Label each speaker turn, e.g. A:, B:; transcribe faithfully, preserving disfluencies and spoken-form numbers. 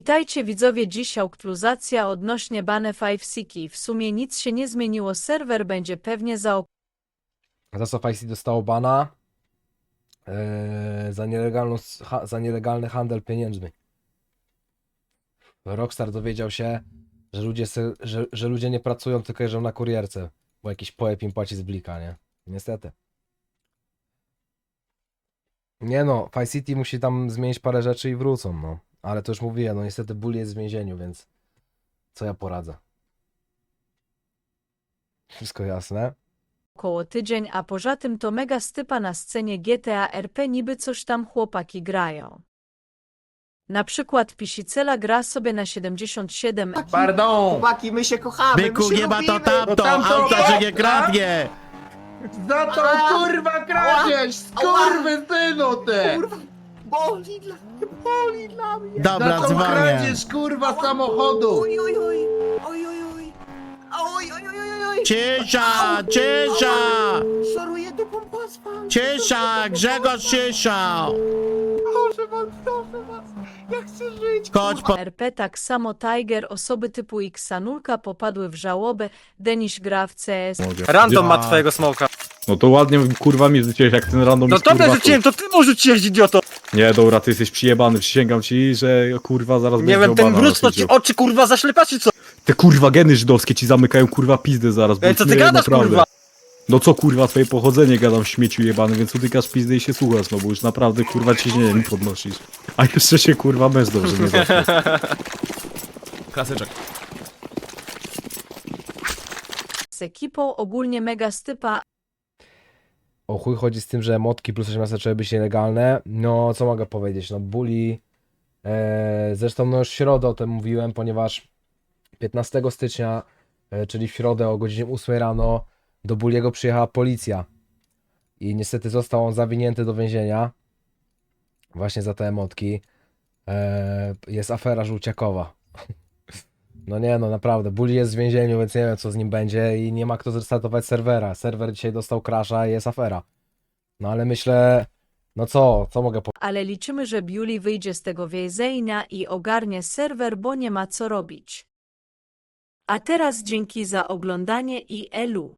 A: Witajcie widzowie, dziś aktualizacja odnośnie bane Five Siki. W sumie nic się nie zmieniło, serwer będzie pewnie za
B: Za co Five City dostało bana? Eee, za, nielegalną, ha, za nielegalny handel pieniędzmi. Rockstar dowiedział się, że ludzie, se, że, że ludzie nie pracują, tylko jeżdżą na kurierce, bo jakiś pojeb im płaci z blika, nie? Niestety. Nie no, Five City musi tam zmienić parę rzeczy i wrócą, no. Ale to już mówiłem, no niestety Bully jest w więzieniu, więc co ja poradzę? Wszystko jasne?
A: około tydzień, a poza tym to mega stypa na scenie G T A R P, niby coś tam chłopaki grają. Na przykład Pisicela gra sobie na siedemdziesiąt siedem.
C: Pardon!
D: Chłopaki, my się kochamy,
E: Byku,
D: my się
E: nie ma to
D: lubimy.
E: tamto,
C: No tamto
E: auta, że nie
C: opłata?
E: kradnie!
C: Za tą
D: Ała!
C: kurwa kradzież! Skurwy synu ty!
D: Kurwa, boli dla mnie, boli dla mnie.
E: Dobra,
C: Za tą
E: dzwonię.
C: kradzież kurwa samochodu!
D: Oj, oj, oj, oj, oj, oj. Oj, oj, oj, oj, oj.
E: Cisza, cisza!
D: Szoruję do pompaspa.
E: Cisza, Grzegorz cisza!
D: Proszę was, proszę was. Ja chcę żyć.
E: Chodź po...
A: R P tak samo Tiger, osoby typu Xanulka popadły w żałobę, Deniś gra w C S.
F: Random ma twojego smoka.
G: No to ładnie kurwa mi rzuciłeś, jak ten random
F: No
G: jest,
F: tobie
G: kurwa,
F: rzuciłem, to ty mu rzuciłeś, idioto!
G: Nie, dobra, ty jesteś przyjebany, przysięgam ci, że kurwa zaraz
F: Nie
G: będziesz
F: wiem, ten
G: miał bana
F: mróz to
G: na
F: ci
G: życiu.
F: oczy kurwa zaślepa, czy co?
G: Te kurwa geny żydowskie ci zamykają kurwa pizdę zaraz, bo
F: Ej, co ty
G: nie,
F: gadasz,
G: naprawdę.
F: kurwa?
G: No co kurwa, twoje pochodzenie gadam w śmieciu jebany, więc utykasz pizdę i się słuchasz, no bo już naprawdę kurwa ciśnienie mi podnosisz. A jeszcze się kurwa męż dobrze nie zacznie.
H: Klasyczek.
A: Z ekipą ogólnie mega stypa,
B: O chuj chodzi z tym, że motki plus osiemnaście zaczęły być nielegalne. No, co mogę powiedzieć? No, Bully. E, zresztą, no już w środę o tym mówiłem, ponieważ piętnastego stycznia, e, czyli w środę o godzinie ósmej rano, do Bulliego przyjechała policja. I niestety został on zawinięty do więzienia. Właśnie za te emotki. E, jest afera żółciakowa. No nie, no naprawdę. Bully jest w więzieniu, więc nie wiem, co z nim będzie i nie ma kto zrestartować serwera. Serwer dzisiaj dostał crasha i jest afera. No ale myślę, no co, co mogę powiedzieć?
A: ale liczymy, że Bully wyjdzie z tego więzienia i ogarnie serwer, bo nie ma co robić. A teraz dzięki za oglądanie i elu.